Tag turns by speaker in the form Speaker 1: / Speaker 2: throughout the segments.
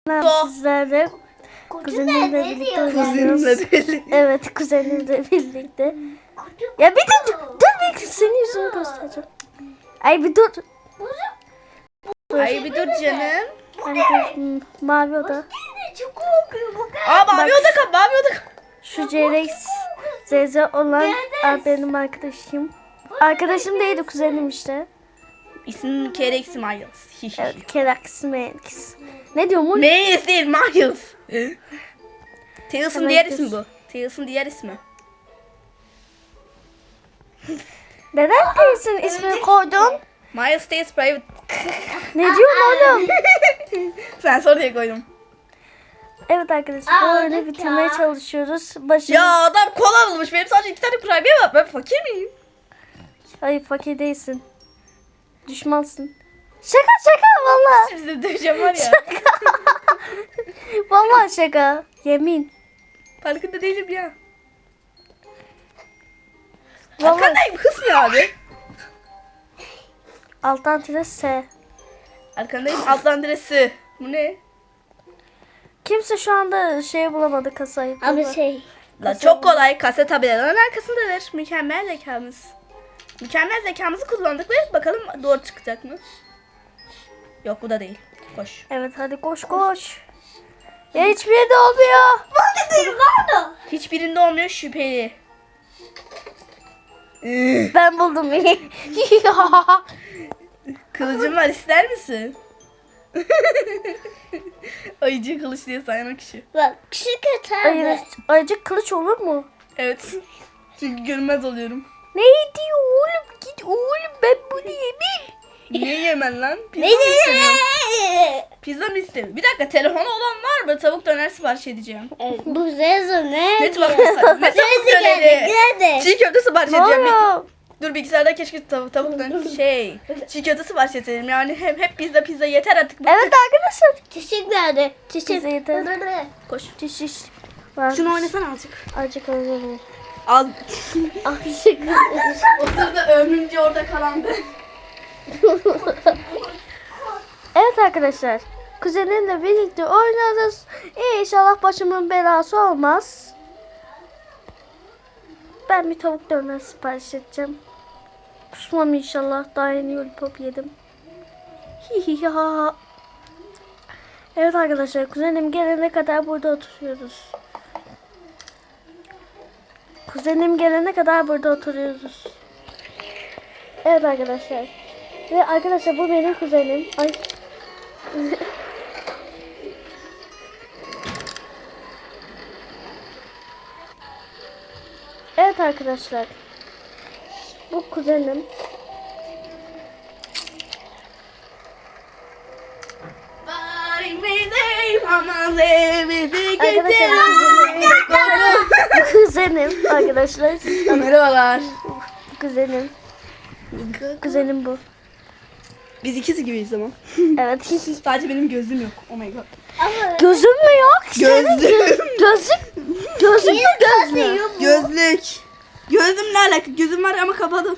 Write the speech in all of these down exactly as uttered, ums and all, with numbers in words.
Speaker 1: Sizlerle kuzenimle birlikte oynuyoruz. Evet, kuzenimle birlikte. Ya bir dur, dur bir senin yüzünü göstereceğim. Ay bir dur.
Speaker 2: Ay bir dur canım.
Speaker 1: Ay dur, hmm, mavi oda.
Speaker 2: Aa mavi oda kap, mavi oda kap.
Speaker 1: Şu C R X Z Z olan benim arkadaşım. Arkadaşım değil, kuzenim işte.
Speaker 2: İsmim Kerex Miles.
Speaker 1: Evet, Kerax Max. Ne diyorum oğlum?
Speaker 2: Miles değil, Miles. Tails'ın diğer ismi bu. Tails'ın diğer ismi.
Speaker 1: Neden Tails'ın ismini koydun?
Speaker 2: Miles Tails Private.
Speaker 1: Ne diyorsun oğlum?
Speaker 2: Sen sor diye koydum.
Speaker 1: Evet arkadaşlar, bu oyunu bitirmeye çalışıyoruz. Başımız...
Speaker 2: Ya adam kola bulmuş. Benim sadece iki tane kurabiye var. Ben fakir miyim?
Speaker 1: Hayır, fakir değilsin. Düşmansın. Şaka şaka valla.
Speaker 2: Şimdi de döveceğim var ya.
Speaker 1: Valla şaka. Yemin.
Speaker 2: Farkında değilim ya.
Speaker 1: Vallahi...
Speaker 2: Arkandayım. Hız mı abi?
Speaker 1: Alttan tire S.
Speaker 2: Arkandayım. Alttan diresi. Bu ne?
Speaker 1: Kimse şu anda şey bulamadı, kasayı.
Speaker 3: Abi şey.
Speaker 2: La çok kolay. Kaset tabelaların arkasındadır. Mükemmel zekamız. Mükemmel zekamızı kullandık ve bakalım doğru çıkacak mı? Yok bu da değil. Koş.
Speaker 1: Evet hadi koş koş. Ya hiçbir yerde olmuyor.
Speaker 2: Hiçbirinde olmuyor şüpheli.
Speaker 1: Ben buldum.
Speaker 2: Kılıcım var ister misin? Ayıcı kılıç diye sayan o kişi.
Speaker 3: Bak şu kötü
Speaker 1: Hayır,
Speaker 3: abi.
Speaker 1: ayıcık kılıç olur mu?
Speaker 2: Evet. Çünkü görünmez oluyorum.
Speaker 1: Ne diyor oğlum? Git oğlum, ben bunu yemeyeyim.
Speaker 2: Niye yemen lan? Pizza mı istemiyorsun? Pizza mı istemiyorsun? Bir dakika, telefonu olan var mı? Tavuk döner sipariş edeceğim.
Speaker 3: Evet, bu Zezo ne?
Speaker 2: Ne tavuk döner? Ne tavuk döneri?
Speaker 3: Nerede?
Speaker 2: Çiğ köfte sipariş
Speaker 1: Ne
Speaker 2: edeceğim. Bir-
Speaker 1: oluyor?
Speaker 2: Dur bilgisayarda keşke tavuk, tavuk döner şey. Çiğ köfte sipariş edelim. Yani hep, hep pizza pizza yeter artık. Bıktık.
Speaker 1: Evet arkadaşlar.
Speaker 3: Çiçek nerede? Çiçek.
Speaker 1: Bize yeter.
Speaker 2: Koş.
Speaker 1: Diş iş. Var.
Speaker 2: Şunu oynasana azıcık.
Speaker 1: Azıcık oynayalım.
Speaker 2: Az.
Speaker 1: Azıcık.
Speaker 2: O sırada ömrümce orada kalan ben.
Speaker 1: Evet arkadaşlar. Kuzenimle birlikte oynarız. İnşallah başımın belası olmaz. Ben bir tavuk döner sipariş edeceğim. Kusmam inşallah. Daha yeni lollipop yedim. Hihiha. Evet arkadaşlar, kuzenim gelene kadar burada oturuyoruz. Kuzenim gelene kadar burada oturuyoruz. Evet arkadaşlar. Ve arkadaşlar bu benim kuzenim. Ay. Evet arkadaşlar. Bu kuzenim. Arkadaşlar kuzenim arkadaşlar.
Speaker 2: Merhabalar.
Speaker 1: Kuzenim. Kuzenim bu.
Speaker 2: Biz ikisi gibiyiz ama.
Speaker 1: Evet.
Speaker 2: Sadece benim gözüm yok. Oh my god.
Speaker 1: Gözüm mü yok?
Speaker 2: Gözlük.
Speaker 1: Gözüm. Gözüm mü gözlü?
Speaker 2: Gözlük. Gözümle alakalı. Gözüm var ama kapalı.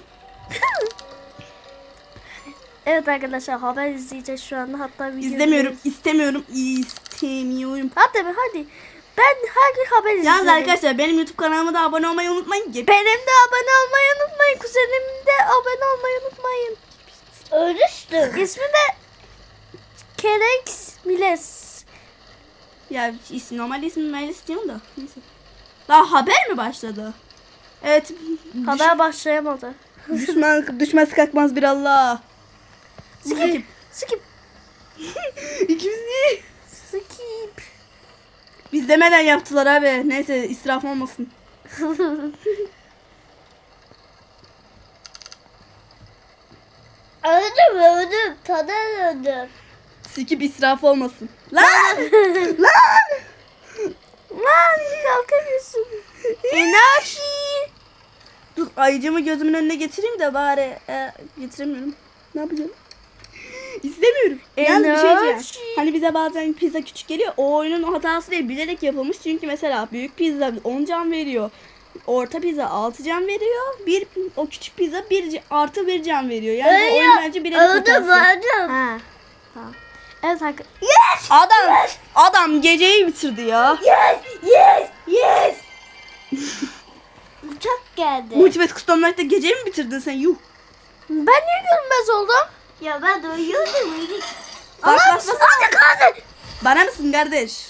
Speaker 1: Evet arkadaşlar, haber izleyeceğiz şu anda, hatta video
Speaker 2: İzlemiyorum. istemiyorum. istemiyorum.
Speaker 1: Hadi be hadi. Ben her gün haber izliyorum.
Speaker 2: Yalnız arkadaşlar benim YouTube kanalıma da abone olmayı unutmayın.
Speaker 1: Benim de abone olmayı unutmayın. Kuzenim de abone olmayı unutmayın.
Speaker 3: Ölüştüm.
Speaker 1: İsmi de Kerex Miles.
Speaker 2: Ya isim, normal ismim Melis istiyorum da. Neyse. Daha haber mi başladı? Evet.
Speaker 1: Haber başlayamadı.
Speaker 2: Düşman düşmez kalkmaz bir Allah.
Speaker 1: Skip. Skip.
Speaker 2: İkimiz niye?
Speaker 1: Skip.
Speaker 2: Biz demeden yaptılar abi. Neyse israf olmasın.
Speaker 3: Öldüm öldüm. Tadan öldüm.
Speaker 2: Skip israf olmasın. Lan! Lan!
Speaker 1: Lan kalkamıyorsun. Enerji.
Speaker 2: Dur ayıcımı gözümün önüne getireyim de bari e, getiremiyorum. Ne yapacağım? İstemiyorum. Yalnız bir şey diyeceğim.
Speaker 1: Enerji.
Speaker 2: Hani bize bazen pizza küçük geliyor. O oyunun hatası değil, bilerek yapılmış. Çünkü mesela büyük pizza on can veriyor. Orta pizza altı can veriyor. Bir o küçük pizza bir artı bir can veriyor. Yani bu oyun bence bilerek
Speaker 3: Öldüm
Speaker 2: hatası.
Speaker 3: öldüm.
Speaker 1: Ha. Tamam. Evet hakikaten.
Speaker 2: Adam adam geceyi bitirdi ya.
Speaker 3: Yes, yes, yes. Uçak geldi.
Speaker 2: Multiverse Custom'da geceyi mi bitirdin sen? Yuh.
Speaker 1: Ben niye görünmez oldum?
Speaker 3: Ya ben de uyuyordum.
Speaker 2: Bas bas bas.
Speaker 3: Hadi kaldır.
Speaker 2: Bana mısın kardeş?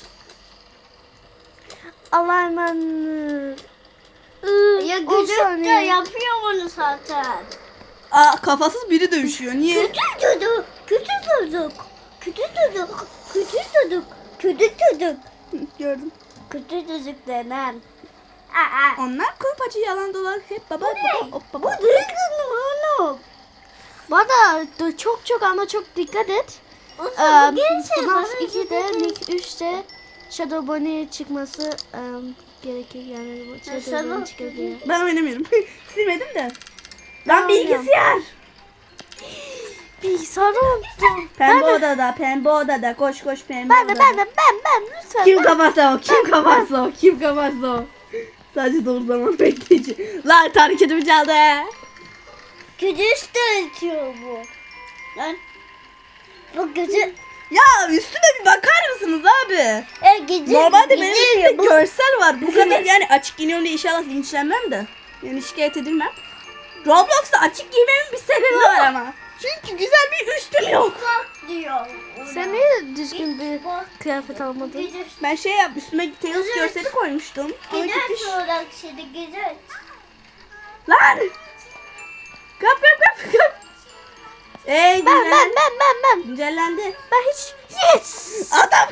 Speaker 1: Allah'a emanet.
Speaker 3: Ya
Speaker 1: on
Speaker 3: gücük de
Speaker 1: saniye.
Speaker 3: yapıyor bunu zaten.
Speaker 2: Aa kafasız biri dövüşüyor. Niye?
Speaker 3: Kötü çocuk, kötü çocuk, kötü çocuk, kötü çocuk, kötü çocuk,
Speaker 2: Gördüm.
Speaker 3: kötü çocuk denen. Aa,
Speaker 2: Onlar kulpacı yalan dolan hep baba baba hop
Speaker 3: bu
Speaker 2: baba.
Speaker 3: değil kızım oğlum.
Speaker 1: Bana da çok çok ama çok dikkat et.
Speaker 3: Olsun,
Speaker 1: Ee,
Speaker 3: bu gençler
Speaker 1: FNAF
Speaker 3: bana
Speaker 1: ikide,
Speaker 3: dedi.
Speaker 1: Nick üçte Shadow Bunny çıkması em, gerekir yani. bu Shadow
Speaker 3: Shadow
Speaker 1: Bunny çıkabiliyor.
Speaker 2: Ben oynamıyorum. Silmedim de. Lan
Speaker 1: Ben oynuyorum.
Speaker 2: bilgisayar.
Speaker 1: Bilgisayarı unuttum.
Speaker 2: Pembe odada, pembe odada. Koş koş pembe
Speaker 1: Ben de
Speaker 2: odada.
Speaker 1: ben de ben ben lütfen.
Speaker 2: Kim
Speaker 1: ben-
Speaker 2: kaparsa o, kim kaparsa o, kim kaparsa o. Sadece doğru zaman bekleyici. Lan hareketimi çaldı.
Speaker 3: Güdüş de ötüyor bu. Lan. Bu gücü.
Speaker 2: Ya üstüne bir bakar mısınız abi?
Speaker 3: E, gücü.
Speaker 2: Normalde benim
Speaker 3: gücü-
Speaker 2: üstümde görsel var. Bu kadar yani açık giyiniyorum diye inşallah linçlenmem de. Yani şikayet edilmem. Roblox'ta açık giymemin bir sebebi var ama. Çünkü güzel bir üstüm yok.
Speaker 3: Bak diyor.
Speaker 1: Sen niye düzgün bir kıyafet almadın?
Speaker 3: Güdüş.
Speaker 2: Ben şey yap üstüme Tails görseli koymuştum. Ama gitmiş.
Speaker 3: Güdüş olarak şimdi güdüş.
Speaker 2: Lan! Kap kap kap kap. Ey
Speaker 1: Ben
Speaker 2: güzel.
Speaker 1: ben ben ben ben.
Speaker 2: Güncellendi.
Speaker 1: Ben hiç yes.
Speaker 2: Adam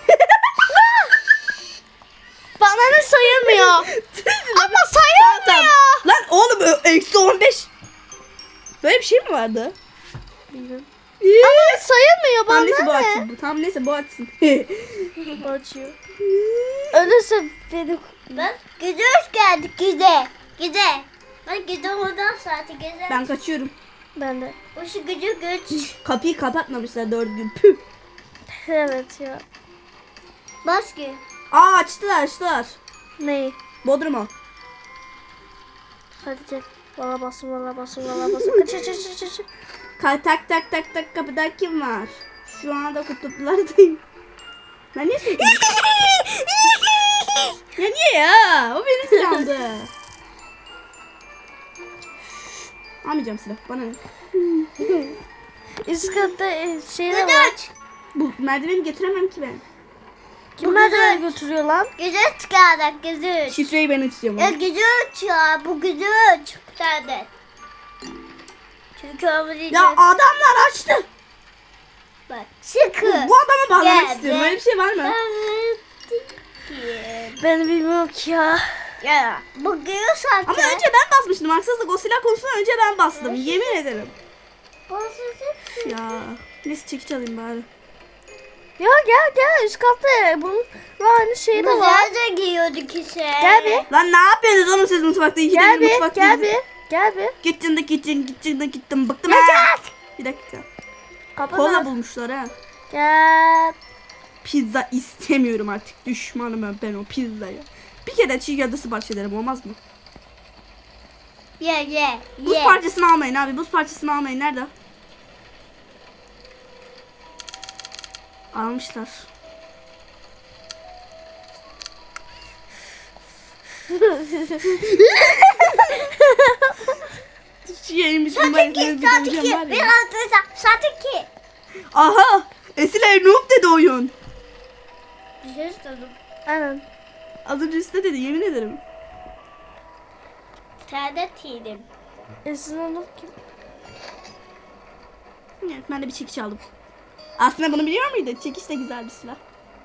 Speaker 1: Bana ne sayılmıyor. Ama sayılmıyor.
Speaker 2: Lan oğlum ö- eksi on beş. Böyle bir şey mi vardı?
Speaker 1: Bilmiyorum.
Speaker 2: İyi.
Speaker 1: Ama sayılmıyor
Speaker 2: Tam neyse bu
Speaker 1: bana ne?
Speaker 2: açsın. Bu tam neyse bu açsın.
Speaker 1: Açıyor. Ölürse beni...
Speaker 3: Bak güdüş geldi güde. Güde. Bak güde oradan saati güde.
Speaker 2: Ben kaçıyorum.
Speaker 1: Ben de.
Speaker 3: O şu gücü güç.
Speaker 2: Kapıyı kapatmamışlar dört gün. Püh.
Speaker 1: Evet ya.
Speaker 3: Başka.
Speaker 2: Aa açtılar açtılar.
Speaker 1: Neyi?
Speaker 2: Bodrum'a.
Speaker 1: Hadi gel. Valla basın valla basın valla basın. Kaç kaç kaç kaç kaç.
Speaker 2: Ka- tak tak tak tak kapıda kim var? Şu anda kutuplardayım. Ben niye sürekli... ya niye ya? O beni silahdı. Almayacağım silah. Bana ne?
Speaker 1: Üst katta e, şey de var.
Speaker 3: Güdüş.
Speaker 2: Bu merdiveni getiremem ki ben.
Speaker 1: Kim merdiveni götürüyor lan?
Speaker 3: Güdüş çıkardık güdüş.
Speaker 2: Şifreyi ben açacağım.
Speaker 3: Ya güdüş ya bu güdüş. Bir tane. Çünkü onu
Speaker 2: Ya adamlar açtı.
Speaker 3: bak. Sıkı.
Speaker 2: Bu adama bağlamak
Speaker 3: Gel,
Speaker 2: istiyorum.
Speaker 3: gel.
Speaker 2: Öyle bir şey var mı?
Speaker 1: Ben bilmiyorum ki ya.
Speaker 3: Ya bu güdüş zaten.
Speaker 2: Ama önce ben basmıştım. Haksızlık o silah konusunda önce ben bastım. Yemin ederim. Ya. Neyse çekiç alayım bari.
Speaker 1: Ya gel gel üst katta bunun aynı şeyi de var.
Speaker 3: Güzel de giyiyorduk işte.
Speaker 1: Gel bir.
Speaker 2: Lan ne yapıyorsunuz oğlum siz mutfakta? İki
Speaker 1: Gel
Speaker 2: de
Speaker 1: bir.
Speaker 2: mutfakta.
Speaker 1: Gel bir. Gel bir.
Speaker 2: Gittin de gittin gittin de gittim. Bıktım
Speaker 1: Ya
Speaker 2: ha. Bir dakika.
Speaker 1: Kapı
Speaker 2: Kola
Speaker 1: var.
Speaker 2: bulmuşlar ha.
Speaker 1: Gel.
Speaker 2: Pizza istemiyorum artık. Düşmanım ben, ben o pizzaya. Bir kere çiğ köfte sipariş ederim olmaz mı?
Speaker 3: Ye ye
Speaker 2: Buz
Speaker 3: ye.
Speaker 2: parçasını almayın abi. Buz parçasını almayın. Nerede? Almışlar. Şeymiş bu
Speaker 3: Satiki, satiki. Bir altı satiki.
Speaker 2: Aha! Esile noob dedi oyun.
Speaker 3: Bir şey istedim.
Speaker 1: Aynen.
Speaker 2: Az önce üstte dedi yemin ederim.
Speaker 3: Tane tilim.
Speaker 1: Esin olur ki.
Speaker 2: Evet, ben de bir çekiç aldım. Aslında bunu biliyor muydun? Çekiç de güzel bir silah.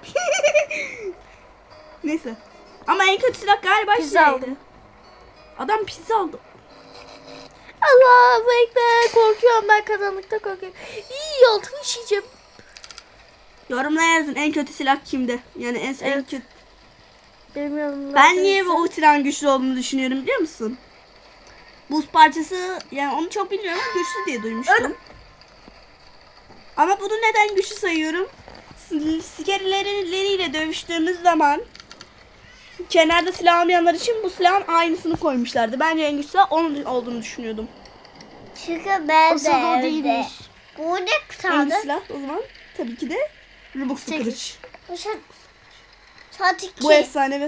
Speaker 2: Neyse. Ama en kötü silah galiba
Speaker 1: Pizza
Speaker 2: şeydi.
Speaker 1: aldım.
Speaker 2: Adam pizza aldı.
Speaker 1: Allahu Ekber. Korkuyorum ben karanlıkta korkuyorum. İyi altını işeyeceğim.
Speaker 2: Yorumlara yazın en kötü silah kimde? Yani en, en
Speaker 1: Evet.
Speaker 2: kötü.
Speaker 1: Bilmiyorum.
Speaker 2: Ben niye bu silahın güçlü olduğunu düşünüyorum biliyor musun? Buz parçası yani onu çok bilmiyorum ama güçlü diye duymuştum. Ama bunu neden güçlü sayıyorum? Skerleriyle dövüştüğümüz zaman kenarda silah almayanlar için bu silahın aynısını koymuşlardı. Bence en güçlü silah onun olduğunu düşünüyordum.
Speaker 3: Çünkü ben de
Speaker 1: Asıl o
Speaker 3: evde.
Speaker 1: değilmiş.
Speaker 3: Bu ne
Speaker 2: En
Speaker 3: kaldı?
Speaker 2: güçlü silah o zaman. tabii ki de Robux'lu
Speaker 1: Çekiç.
Speaker 2: kılıç.
Speaker 3: Bu saat, saat iki.
Speaker 2: Bu efsanevi.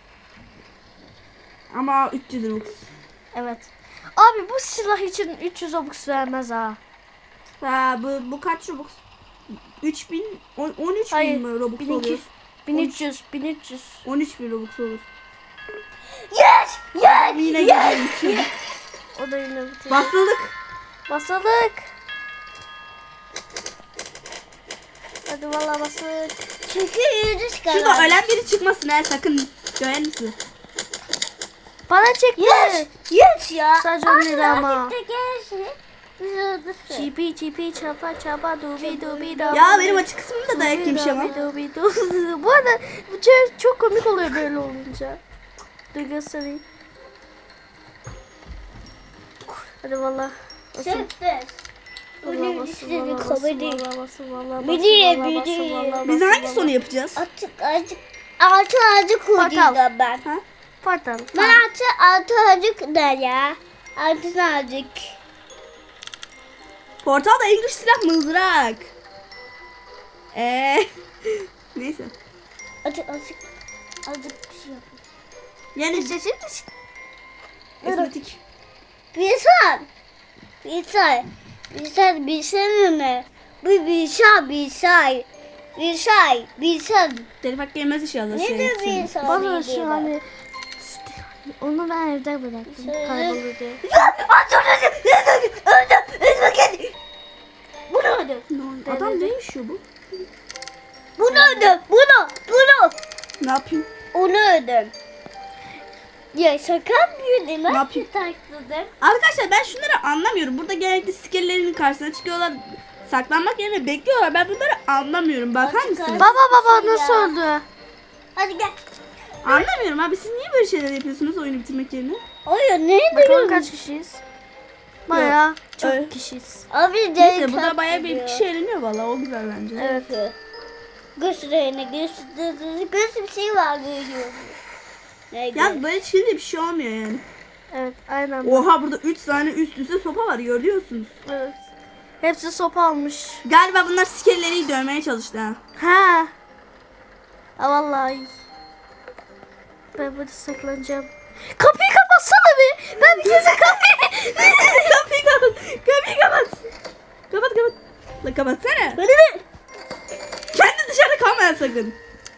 Speaker 2: Ama üç yüz Robux.
Speaker 1: Evet. Abi bu silah için üç yüz Robux vermez ha.
Speaker 2: Ha, bu, bu kaç Robux? üç bin, on- on üç
Speaker 1: Hayır.
Speaker 2: bin mi Robux
Speaker 1: bin iki
Speaker 2: oluyor?
Speaker 1: yüz, bin üç yüz, bin üç yüz.
Speaker 2: on üç bin Robux olur.
Speaker 3: Yes! Yes!
Speaker 2: Yine
Speaker 3: Yes!
Speaker 2: gidiyorum bitirdim.
Speaker 1: O da yine bitirdi.
Speaker 2: Basıldık.
Speaker 1: Basalık. Hadi valla basalık.
Speaker 3: Çünkü yüzüş kadar.
Speaker 2: Şurada ölen biri çıkmasın ha, sakın. Gören misin?
Speaker 1: Bana çekti.
Speaker 3: Yes! Yes ya.
Speaker 1: Sadece onları ama.
Speaker 3: Gitti gelsin.
Speaker 1: Çipi çipi çapa çapa dubi dubi da.
Speaker 2: Ya benim açık kısmımda dayak yemiş ama.
Speaker 1: Dubi dubi dubi. Bu arada bu çok, çok komik oluyor böyle olunca. Dur göstereyim. Hadi valla.
Speaker 3: Sürpriz. Bunun üstüne komedi.
Speaker 1: Biliyor,
Speaker 3: biliyor.
Speaker 2: Biz hangi sonu yapacağız?
Speaker 3: Artık azıcık altı azıcık kurdum ben.
Speaker 2: Ha?
Speaker 1: Portal.
Speaker 3: Ben artık altı azıcık da ya. Altı azıcık.
Speaker 2: Portalda en güçlü silah mızrak. Eee. Neyse.
Speaker 3: Azıcık azıcık. Azıcık bir şey yapayım.
Speaker 2: Yani
Speaker 3: Sesin misin?
Speaker 2: estetik.
Speaker 3: Bir say. Bir say. Bir say. Bir say mi? Bir bir say. Bir say. Bir say. Bir say.
Speaker 2: Telif hakkı yemez inşallah.
Speaker 3: Ne
Speaker 2: şey.
Speaker 3: diyor bir say?
Speaker 1: Bana şu hani onu ben evde bıraktım
Speaker 3: Şöyle.
Speaker 1: kaybolur diye.
Speaker 3: Bunu öldüm.
Speaker 2: Ne- Adam ne yaşıyor bu?
Speaker 3: Bunu öldüm. Bunu. Bunu.
Speaker 2: Ne yapayım?
Speaker 3: Onu öldüm. Ya şaka yapıyor değil mi?
Speaker 2: Ne yapayım?
Speaker 3: Takladım.
Speaker 2: Arkadaşlar ben şunları anlamıyorum. Burada genellikle skellerin karşısına çıkıyorlar. Saklanmak yerine bekliyorlar. Ben bunları anlamıyorum. Bakar
Speaker 3: Açık
Speaker 2: mısınız?
Speaker 3: ara-
Speaker 1: Baba baba
Speaker 3: Ya.
Speaker 1: nasıl öldü?
Speaker 3: Hadi gel.
Speaker 2: Anlamıyorum abi. Siz niye böyle şeyler yapıyorsunuz oyunu bitirmek yerine?
Speaker 3: Oyun ne
Speaker 1: Bakalım
Speaker 3: diyorsun?
Speaker 1: kaç kişiyiz? Bayağı çok
Speaker 2: Öyle.
Speaker 1: kişiyiz.
Speaker 3: Abi
Speaker 2: Neyse burada bayağı bir kişi eğleniyor valla. O güzel bence.
Speaker 1: Evet.
Speaker 3: Gösterene göster. Göster bir şey var görüyorum. Ne
Speaker 2: Ya böyle çıkınca bir şey olmuyor yani.
Speaker 1: Evet aynen.
Speaker 2: Oha burada üç tane üst üste sopa var görüyorsunuz.
Speaker 1: Evet. Hepsi sopa almış.
Speaker 2: Galiba bunlar skelleri dövmeye çalıştı ha.
Speaker 1: Ha. Ha vallahi. Ben burada saklanacağım. Kapıyı kapatsana bir. Ben bir kez kapıyı.
Speaker 2: Kapıyı kapat. Kapıyı kapat. Kapat kapat. La kapatsana.
Speaker 3: Hadi be.
Speaker 2: Kendi dışarıda kalma sakın.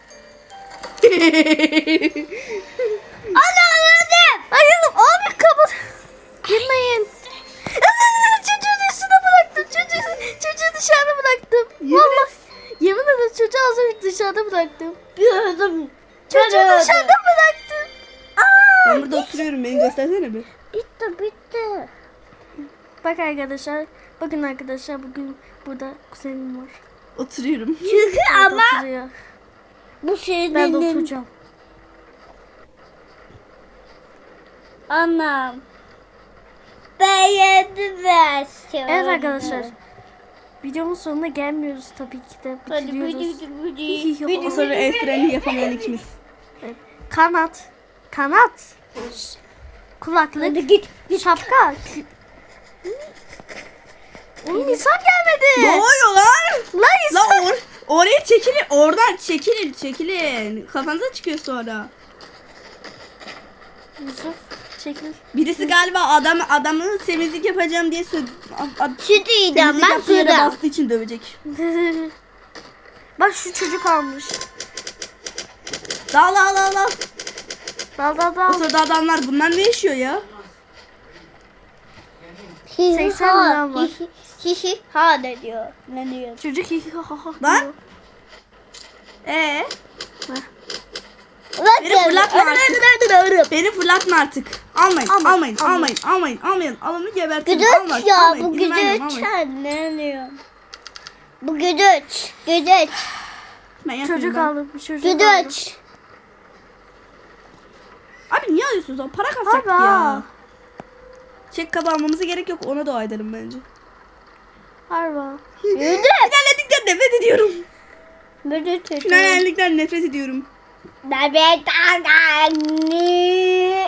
Speaker 3: Ana öldüm.
Speaker 1: Hayır abi kapat. Girmeyin. Çocuğu dışarıda bıraktım. Çocuğu, çocuğu dışarıda bıraktım.
Speaker 2: Yemin
Speaker 1: Vallahi. Yemin ederim çocuğu az önce dışarıda bıraktım.
Speaker 3: Gördüm.
Speaker 1: Çocuğu
Speaker 3: Ben öldüm.
Speaker 1: dışarıda bıraktım.
Speaker 2: Ben burada oturuyorum. Beni göstersene bir.
Speaker 3: Bitti bitti.
Speaker 1: Bak arkadaşlar. Bakın arkadaşlar bugün burada kuzenim var.
Speaker 2: Oturuyorum.
Speaker 3: Çünkü
Speaker 1: Burada
Speaker 3: ama
Speaker 1: oturuyor.
Speaker 3: bu şeyin
Speaker 1: Ben de oturacağım.
Speaker 3: Anam. Ben yedim versiyonu.
Speaker 1: Evet arkadaşlar. Videonun sonuna gelmiyoruz tabii ki de.
Speaker 3: Hadi
Speaker 1: Bitiriyoruz.
Speaker 3: bıcı bıcı bıcı.
Speaker 2: O sonra el freni yapamayan ikimiz.
Speaker 1: Kanat. Kanat. Kulaklık.
Speaker 3: Hadi git.
Speaker 1: Şapka. kü- Oğlum insan
Speaker 2: Ne
Speaker 1: gelmedi.
Speaker 2: oluyor lan?
Speaker 1: Lan
Speaker 2: La
Speaker 1: insan.
Speaker 2: or oraya çekilin. Oradan çekilin. Çekilin. Kafanıza çıkıyor sonra.
Speaker 1: Yusuf çekil.
Speaker 2: Birisi galiba adam adamın temizlik yapacağım diye söyledi.
Speaker 3: Sütü yiyeceğim
Speaker 2: Temizlik
Speaker 3: ben
Speaker 2: yaptığı yere
Speaker 3: suda.
Speaker 2: bastığı için dövecek.
Speaker 1: Bak şu çocuk almış.
Speaker 2: Dal dal dal dal.
Speaker 1: Dal dal
Speaker 2: O
Speaker 1: dal.
Speaker 2: sırada adamlar bunlar ne yaşıyor ya?
Speaker 1: seksen liram var.
Speaker 3: Hihi ha ne diyor? Ne diyor?
Speaker 1: Çocuk hi hi ha ha ha
Speaker 2: Lan.
Speaker 1: diyor.
Speaker 2: Ee,
Speaker 3: Bak
Speaker 2: Beni
Speaker 3: geldi.
Speaker 2: fırlatma
Speaker 3: Öyle,
Speaker 2: artık.
Speaker 3: öyle, öyle, öyle.
Speaker 2: beni fırlatma artık. Almayın,
Speaker 1: Almayın,
Speaker 2: almayın,
Speaker 1: almayın.
Speaker 2: almayın, almayın, almayın. Alanı gebertin.
Speaker 3: Güdüç
Speaker 2: almayın,
Speaker 3: ya
Speaker 2: almayın.
Speaker 3: bu
Speaker 2: İzin vermiyorum,
Speaker 3: güdüç.
Speaker 2: almayın.
Speaker 3: Ne diyor? Bu güdüç. Güdüç.
Speaker 2: Ben yapmayayım
Speaker 1: Çocuk
Speaker 2: ben.
Speaker 1: aldım. Bir çocuk aldım.
Speaker 3: Güdüç.
Speaker 2: Abi niye alıyorsunuz o? Para kasacaktık
Speaker 1: Abi,
Speaker 2: ya.
Speaker 1: aa.
Speaker 2: Çek kabı almamıza gerek yok. Ona dua edelim bence.
Speaker 1: Harba.
Speaker 3: Güdüç.
Speaker 2: Finallerlikten nefret ediyorum.
Speaker 3: Güdüç.
Speaker 2: Finallerlikten nefret ediyorum.
Speaker 3: Bebek anne.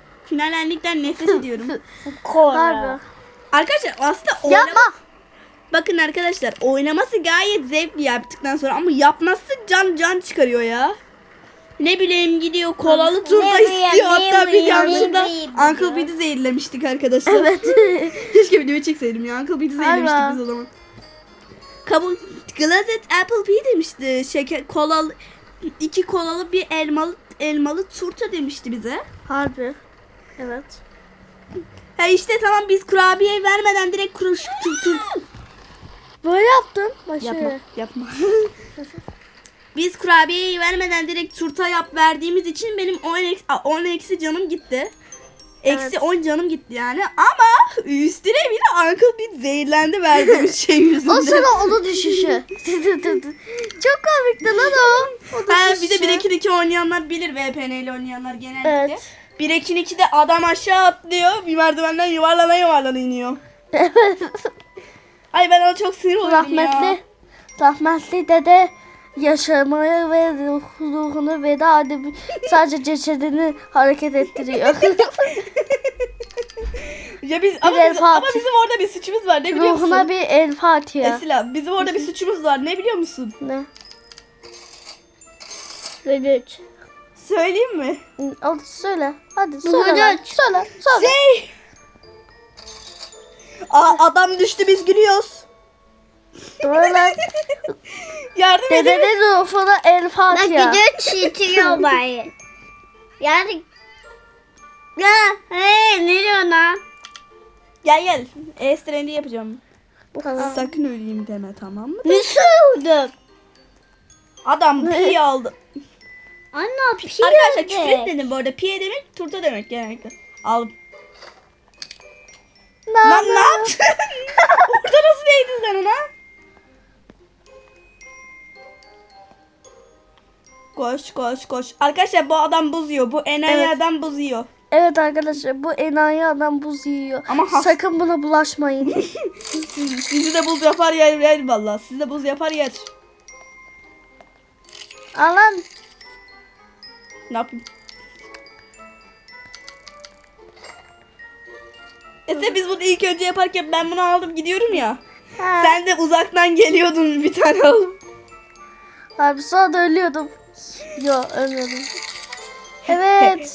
Speaker 2: Finallerlikten nefret ediyorum.
Speaker 3: Kora.
Speaker 1: Harba.
Speaker 2: Arkadaşlar aslında oynama...
Speaker 1: Yapma.
Speaker 2: Bakın arkadaşlar oynaması gayet zevkli yaptıktan sonra ama yapması can can çıkarıyor ya. Ne bileyim gidiyor kolalı turda
Speaker 3: Ne bileyim,
Speaker 2: istiyor.
Speaker 3: ne
Speaker 2: Hatta biz
Speaker 3: bileyim,
Speaker 2: yanlışlıkla
Speaker 3: ne bileyim
Speaker 2: Uncle
Speaker 3: ya.
Speaker 2: Beat'i zehirlemiştik arkadaşlar.
Speaker 1: Evet.
Speaker 2: Keşke videoyu çekseydim ya. Uncle Beat'i zehirlemiştik
Speaker 1: Galiba.
Speaker 2: biz o zaman. Kabul Glazed Apple Pie demişti. Şeker kolalı iki kolalı bir elmalı elmalı turta demişti bize.
Speaker 1: Harbi. Evet.
Speaker 2: Ha işte tamam biz kurabiye vermeden direkt kuruş tur tur.
Speaker 1: Böyle yaptın. Başı.
Speaker 2: Yapma yapma. Biz kurabiyeyi vermeden direkt turta yap verdiğimiz için benim on eksi canım gitti. Eksi
Speaker 1: Evet.
Speaker 2: on canım gitti yani. Ama üstüne bir de Uncle Beat zehirlendi verdiğimiz şey yüzünden.
Speaker 1: O sana onu düşüşü. Çok komikti lan o. O
Speaker 2: Ha, bir de
Speaker 1: düşüşü.
Speaker 2: bir iki iki oynayanlar bilir V P N ile oynayanlar genellikle.
Speaker 1: Evet.
Speaker 2: bir iki ikide adam aşağı atlıyor. Bir merdivenden yuvarlana yuvarlana iniyor.
Speaker 1: Evet.
Speaker 2: Ay ben ona çok sinir oluyorum
Speaker 1: Rahmetli.
Speaker 2: ya.
Speaker 1: Rahmetli dede yaşamaya ve ruh, ruhunu veda edip sadece cesedini hareket ettiriyor.
Speaker 2: Ya biz ama,
Speaker 1: El
Speaker 2: bizim, ama
Speaker 1: Fatih.
Speaker 2: bizim orada bir suçumuz var ne biliyor musun?
Speaker 1: Ruhuna bir el Fatiha.
Speaker 2: Esila bizim orada bir suçumuz var ne biliyor musun?
Speaker 1: Ne? Gıdıç.
Speaker 2: Söyleyeyim mi?
Speaker 1: Hadi söyle. Hadi söyle. lan.
Speaker 3: Gıdıç.
Speaker 1: Söyle. Söyle.
Speaker 2: Şey. Aa, adam düştü biz gülüyoruz.
Speaker 1: Böyle
Speaker 2: Yardım edin.
Speaker 1: dedenin ruhuna el
Speaker 3: Bak
Speaker 1: Fatiha.
Speaker 3: gidiyor çitiyor bari. Yani. Ya hey ne diyorsun lan?
Speaker 2: Gel gel. E-strendi yapacağım.
Speaker 1: Tamam.
Speaker 2: Sakın öleyim deme tamam mı?
Speaker 3: Nasıl oldu?
Speaker 2: Adam pi aldı.
Speaker 3: Anne pişirdi.
Speaker 2: Arkadaşlar küfür etmedim bu arada. Pi demek turta demek genellikle. Aldım.
Speaker 1: Ne
Speaker 2: Lan
Speaker 1: yapıyorsun?
Speaker 2: ne yaptın? Orada nasıl değdin sen ona? Koş koş koş. Arkadaşlar bu adam buz yiyor. Bu enayi
Speaker 1: Evet.
Speaker 2: adam buz yiyor.
Speaker 1: Evet arkadaşlar bu enayi adam buz yiyor.
Speaker 2: Ama has-
Speaker 1: Sakın buna bulaşmayın.
Speaker 2: Siz, sizi de buz yapar yer yer valla. Sizi de buz yapar yer.
Speaker 1: Alan.
Speaker 2: Ne yapayım? Ese biz bunu ilk önce yaparken ben bunu aldım gidiyorum ya.
Speaker 1: Ha.
Speaker 2: Sen de uzaktan geliyordun bir tane alıp.
Speaker 1: Abi sonra da ölüyordum. Yo ölmedim. Evet.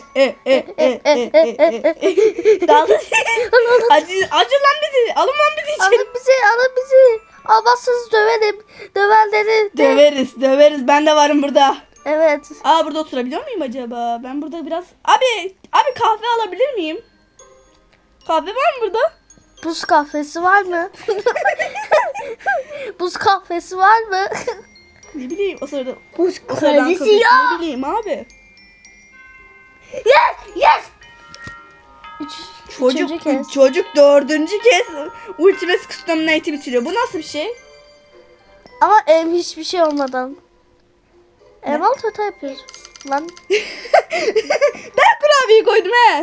Speaker 2: Daldı. Acı, acı lan bizi. Alın lan bizi için.
Speaker 1: Alın bizi, alın bizi. Almazsanız döverim. Dövenleri de.
Speaker 2: Döveriz, döveriz. Ben de varım burada.
Speaker 1: Evet.
Speaker 2: Aa burada oturabiliyor muyum acaba? Ben burada biraz... Abi, abi kahve alabilir miyim? Kahve var mı burada?
Speaker 1: Buz kahvesi var mı? Buz kahvesi var mı?
Speaker 2: Ne bileyim o sırada.
Speaker 3: Buz
Speaker 2: O sırada
Speaker 3: kahvesi
Speaker 2: kahvesi
Speaker 3: ya.
Speaker 2: Ne bileyim abi.
Speaker 3: Yes yes.
Speaker 1: Üç,
Speaker 2: Çocuk,
Speaker 1: üçüncü kez.
Speaker 2: çocuk dördüncü kez Ultimate Custominate'i bitiriyor. Bu nasıl bir şey?
Speaker 1: Ama em hiçbir şey olmadan. Elmalı turta yapıyoruz. Lan.
Speaker 2: Ben kurabiyeyi koydum he.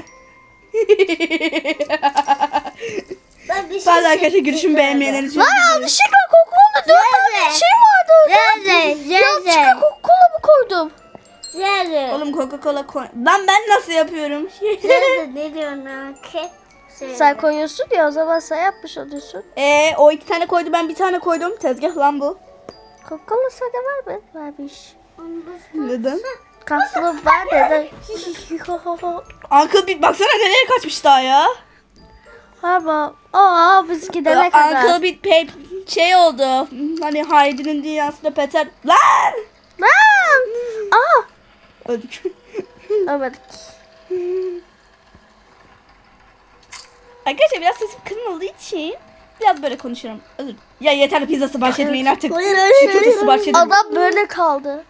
Speaker 3: Ben bir şey
Speaker 2: Bazı arkadaşlar görüşümü beğenmeyenler için.
Speaker 1: Lan yanlışlıkla Coca-Cola dört tane
Speaker 3: Nerede?
Speaker 1: şey vardı.
Speaker 3: Nerede?
Speaker 1: Yanlışlıkla
Speaker 3: Nerede?
Speaker 1: Coca-Cola mı koydum?
Speaker 3: Nerede?
Speaker 2: Oğlum Coca-Cola koy. Lan ben nasıl yapıyorum?
Speaker 3: Nerede? Ne diyorsun lan? Ke- Şey.
Speaker 1: Sen koyuyorsun ya o zaman sen yapmış oluyorsun.
Speaker 2: Eee o iki tane koydu ben bir tane koydum. Tezgah lan bu.
Speaker 1: Coca-Cola sana var mı? Varmış.
Speaker 2: Neden?
Speaker 1: Kasım var dedi.
Speaker 2: Uncle Beat baksana nereye kaçmış daha ya.
Speaker 1: Harba. Aa biz gidene kadar.
Speaker 2: Uncle Beat pay şey oldu. Hani Heidi'nin dünyasında Peter. Lan!
Speaker 1: Lan! Aa!
Speaker 2: Öldük.
Speaker 1: Evet.
Speaker 2: Arkadaşlar biraz sesim kırıldığı için biraz böyle konuşuyorum. Özür. Ya yeter pizza sipariş etmeyin artık. Çiğ köfte sipariş edin.
Speaker 1: Adam böyle kaldı.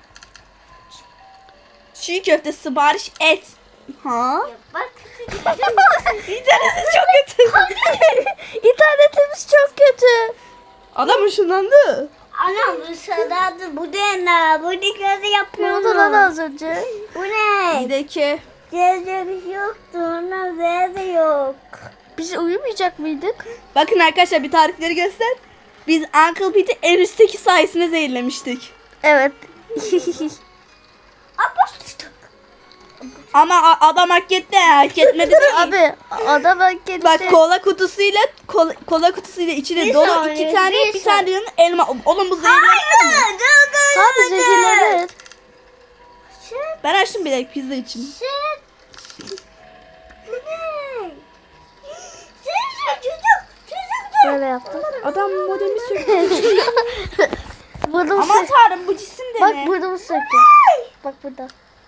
Speaker 2: Çiğ köfte sipariş et. Ha?
Speaker 3: Bak.
Speaker 2: İnternetiniz çok kötü.
Speaker 1: İnternetimiz çok kötü.
Speaker 2: Adam ışınlandı.
Speaker 3: Anam bu sırada bu ne? Bu ne gözü
Speaker 1: Ne
Speaker 3: yapıyor
Speaker 1: oldu lan
Speaker 3: mu?
Speaker 1: az önce?
Speaker 3: Bu ne?
Speaker 2: Bir de ki
Speaker 3: Gözde bir şey yoktu. Ona ver de yok.
Speaker 1: Biz uyumayacak mıydık?
Speaker 2: bakın arkadaşlar bir tarifleri göster. Biz Uncle Pete'i en üstteki sayesinde zehirlemiştik.
Speaker 1: Evet.
Speaker 3: Aposto.
Speaker 2: Ama a- adam hak etti, hak etmedi değil.
Speaker 1: Abi adam hak etti.
Speaker 2: Bak kola kutusuyla kola, kola kutusuyla içine
Speaker 3: Bir
Speaker 2: dolu
Speaker 3: saniye,
Speaker 2: iki tane
Speaker 3: bir
Speaker 2: bir tane diyorum elma. Oğlum bu zehirlenmez mi?
Speaker 1: Abi zehirlenir.
Speaker 2: Ben açtım bile pizza için.
Speaker 1: Böyle yaptım.
Speaker 2: Adam modemi söktü.
Speaker 1: Burnumu
Speaker 2: Aman
Speaker 1: sök.
Speaker 2: tanrım bu cisim de
Speaker 1: Bak
Speaker 2: ne?
Speaker 1: burnumu söktüm. Bak burada.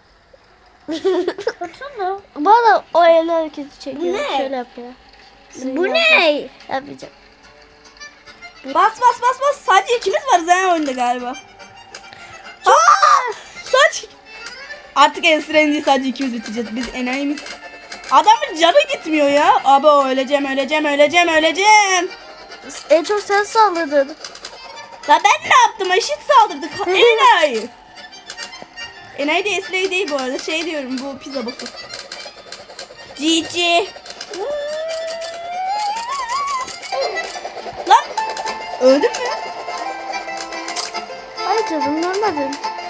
Speaker 1: Bana o el hareketi çekiyor.
Speaker 3: Bu ne?
Speaker 1: Şöyle yapıyor.
Speaker 3: Bu ne?
Speaker 1: Yapacağım.
Speaker 2: Bas bas bas bas. Sadece ikimiz varız ha oyunda galiba. Aa! Saç. Artık en sıra değil, sadece ikimiz biteceğiz. Biz enayimiz. Adamın canı gitmiyor ya. Abi öleceğim öleceğim öleceğim öleceğim.
Speaker 1: En çok sen saldırdın.
Speaker 2: La ben ne yaptım? Eşit saldırdık. Enayi. Enayi de Esra'yı değil bu arada. Şey diyorum, bu pizza bosu. Cici. Lan. Öldün mü?
Speaker 1: Ay canım görmedim.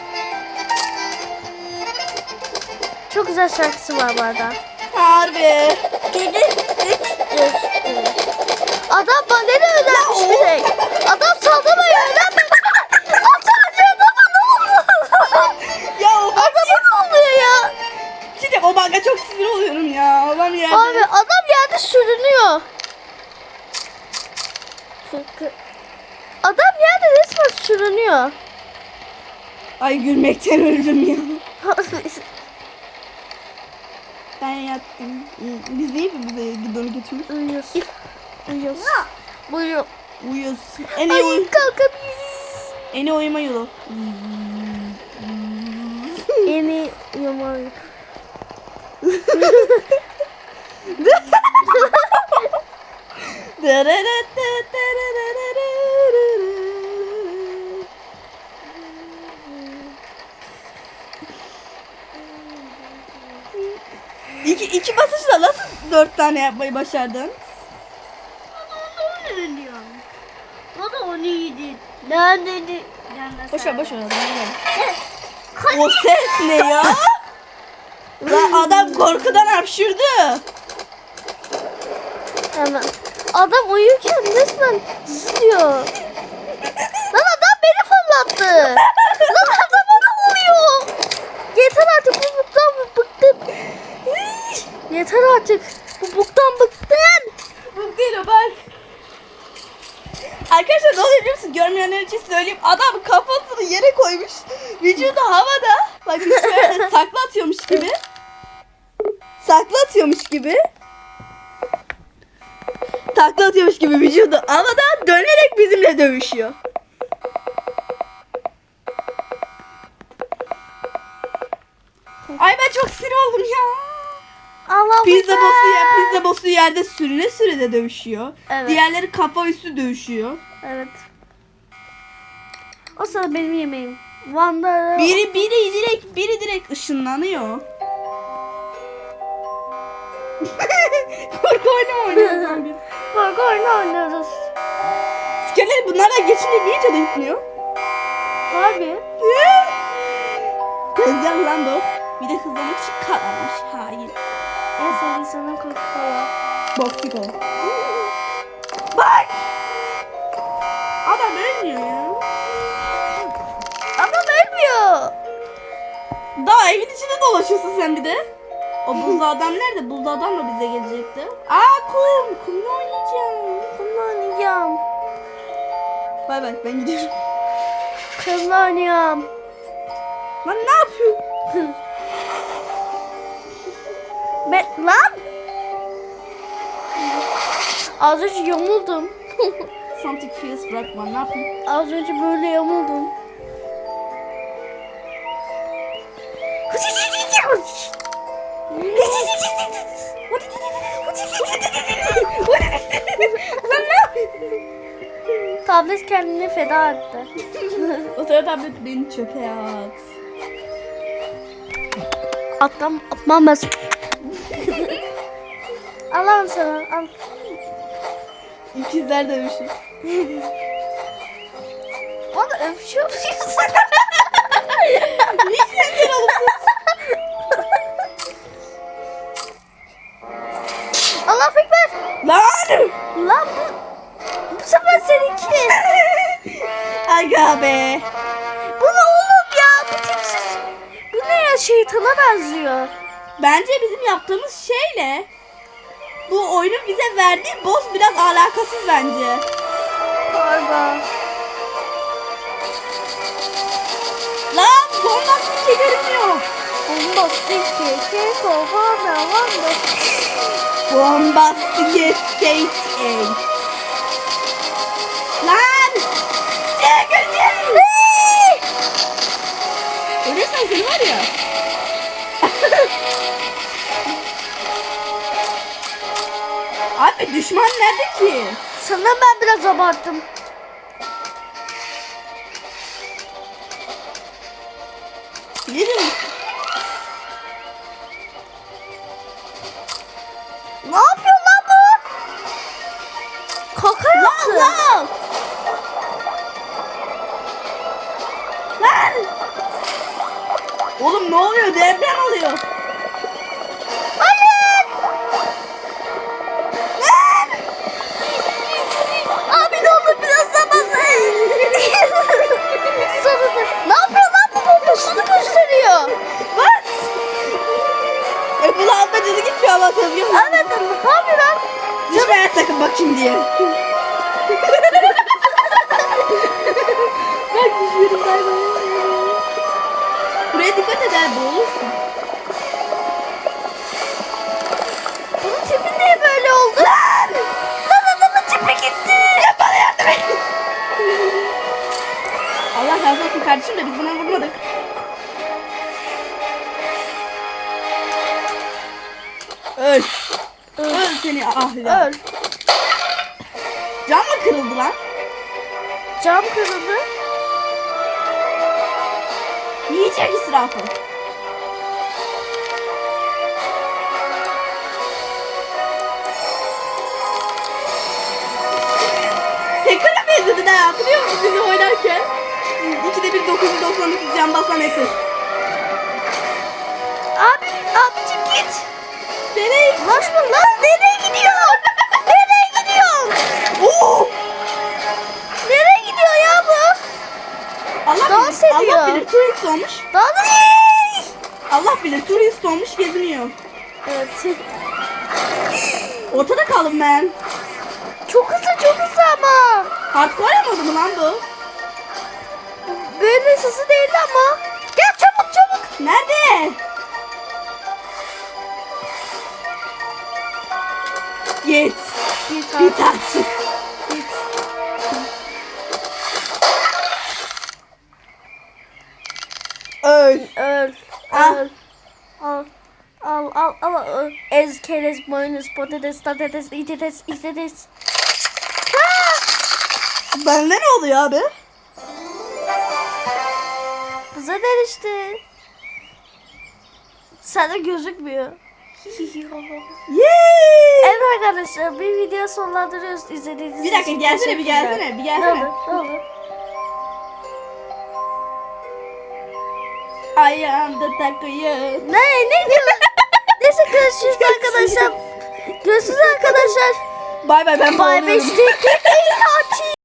Speaker 1: Çok güzel şarkısı var bu arada.
Speaker 2: Harbi.
Speaker 1: Geri üç Adam bana ne öğrenmiş bir tek. Adam saldırmıyor öğrenmedi. Sadece adama ne oldu?
Speaker 2: Ya o bak.
Speaker 1: Adama ne oluyor ya?
Speaker 2: Şimdi o baka çok sinir oluyorum ya. Adam yerde.
Speaker 1: Abi adam yerde sürünüyor. Adam yerde resmen sürünüyor.
Speaker 2: Ay gülmekten öldüm ya. Ben yattım. Biz değil mi bize gidonu götürürüz?
Speaker 1: Uyuyoruz. Uyuyoruz. Uyuyor.
Speaker 2: Uyuyoruz. En iyi, uy
Speaker 1: Ay kalkabiliriz.
Speaker 2: en iyi uyuma yolu.
Speaker 1: Yeni yumak.
Speaker 2: İki, iki basışla nasıl dört tane yapmayı başardın?
Speaker 3: O da onu yedi.
Speaker 1: Ben dedi.
Speaker 2: Boşver boşver adam. O ses ne ya? Lan adam korkudan hapşırdı.
Speaker 1: Hemen. Adam uyurken resmen sızlıyor. Lan adam beni fırlattı. Lan adama ne oluyor? Yeter artık bu buktan bıktım. Yeter artık. Bu buktan bıktım.
Speaker 2: Bu değil o bak. Arkadaşlar ne oluyor biliyor musun? Görmeyenler için söyleyeyim. Adam kafasını yere koymuş. Vücudu havada. Bak şöyle takla atıyormuş gibi. Takla atıyormuş gibi. Takla atıyormuş gibi vücudu havada dönerek bizimle dövüşüyor. Ay ben çok sinir oldum ya.
Speaker 1: Allah
Speaker 2: Pizza bosu ya pizza bosu yerde sürüne sürüne dövüşüyor.
Speaker 1: Evet.
Speaker 2: Diğerleri kafa üstü dövüşüyor.
Speaker 1: Evet. O sırada benim yemeğim. Van'da
Speaker 2: Biri biri direkt biri direkt ışınlanıyor. Korku oyunu mu oynuyoruz biz?
Speaker 1: korku oyunu oynuyoruz.
Speaker 2: Skelet bunlarla geçince niye canı gitmiyor?
Speaker 1: Abi.
Speaker 2: Tezgah lan bu. Bir de hızlamak için kararmış. Hain.
Speaker 1: En sevdiğim sana korku kola.
Speaker 2: Boksiko. Bak! Adam ölmüyor ya.
Speaker 1: Adam ölmüyor.
Speaker 2: Daha evin içinde dolaşıyorsun sen bir de. O buzlu adam nerede? Buzlu adam da bize gelecekti. Aa kum. Kumla oynayacağım.
Speaker 1: Kumla oynayacağım.
Speaker 2: Bay bay ben gidiyorum.
Speaker 1: Kumla oynayacağım.
Speaker 2: Lan ne yapıyor?
Speaker 1: Ben lan. Az önce yamuldum.
Speaker 2: Something feels right man. Ne yapayım?
Speaker 1: Az önce böyle yamuldum.
Speaker 2: Lan ne yapıyorsun?
Speaker 1: Tablet kendini feda etti.
Speaker 2: O sırada tablet beni çöpe at.
Speaker 1: Atlam, atmam ben. Allah'ım sana al.
Speaker 2: İkizler dövüşü.
Speaker 1: Bana öpüşüyor musun?
Speaker 2: Niye sen alırsın?
Speaker 1: şeytana benziyor.
Speaker 2: Bence bizim yaptığımız şeyle bu oyunun bize verdiği boss biraz alakasız bence.
Speaker 1: Galiba.
Speaker 2: Lan bombastik görünmüyor.
Speaker 1: Bombastik keke kovana vanda.
Speaker 2: Bombastik stage eight. Lan! Çekilin! Öyleysen seni var ya. Abi düşman nerede ki?
Speaker 1: Sanırım ben biraz abarttım.
Speaker 2: Yerim.
Speaker 1: Ne yapıyor lan bu? Kaka yaptı.
Speaker 2: Lan! Lan! Oğlum ne oluyor? Deprem oluyor.
Speaker 1: Hayır.
Speaker 2: Lan!
Speaker 1: Abi ne olur biraz zaman. Sonunda. Ne yapıyor lan bu bombasını gösteriyor.
Speaker 2: What? E bu lan canı gitmiyor ama tezgah.
Speaker 1: Evet ne yapıyor lan?
Speaker 2: Düşmeye sakın bakayım diye.
Speaker 1: Bak düşüyorum bay bay.
Speaker 2: Buraya dikkat eder boğulursun.
Speaker 1: Bunun tipi niye böyle oldu? Lan! Lan adamın tipi gitti.
Speaker 2: Ya bana yardım et. Allah razı olsun kardeşim de biz buna vurmadık. Öl. Öl seni ahli.
Speaker 1: Öl.
Speaker 2: Cam mı kırıldı lan?
Speaker 1: Cam kırıldı.
Speaker 2: Yiyecek israfı. Hacker'a benzedi de hatırlıyor musun bizi oynarken? ikide bir dokuz yüz doksan dokuz can basan hacker.
Speaker 1: Abi, abicim git.
Speaker 2: Nereye?
Speaker 1: Ulaşma lan nereye gidiyor? Nereye gidiyor?
Speaker 2: Oo!
Speaker 1: Nereye gidiyor ya bu?
Speaker 2: Allah
Speaker 1: Dans
Speaker 2: bilir,
Speaker 1: ediyor.
Speaker 2: Allah bilir turist olmuş.
Speaker 1: Daha da
Speaker 2: Allah bilir turist olmuş geziniyor.
Speaker 1: Evet.
Speaker 2: Ortada kaldım ben.
Speaker 1: Çok hızlı çok hızlı ama.
Speaker 2: Hardcore yapmadı mı lan bu?
Speaker 1: Böyle hızlı değil ama. Gel çabuk çabuk.
Speaker 2: Nerede? Git.
Speaker 1: Git
Speaker 2: Git artık.
Speaker 1: Git.
Speaker 2: Öl.
Speaker 1: Öl.
Speaker 2: Ah.
Speaker 1: Öl. Al. Al al al. al. Ez keres boynuz patates patates itetes itetes.
Speaker 2: Bende ne oluyor abi?
Speaker 1: Bize derişti. Sana gözükmüyor.
Speaker 2: Yay!
Speaker 1: Evet arkadaşlar bir video sonlandırıyoruz izlediğiniz
Speaker 2: Bir dakika
Speaker 1: için
Speaker 2: gelsene bir
Speaker 1: teşekkürler.
Speaker 2: gelsene bir
Speaker 1: Ne
Speaker 2: gelsene.
Speaker 1: olur ne olur.
Speaker 2: Ayağımda takıyor.
Speaker 1: Ne ne diyor? Neyse görüşürüz arkadaşlar. Görüşürüz arkadaşlar.
Speaker 2: Bay bay ben
Speaker 1: Bye
Speaker 2: boğuluyorum.
Speaker 1: bye.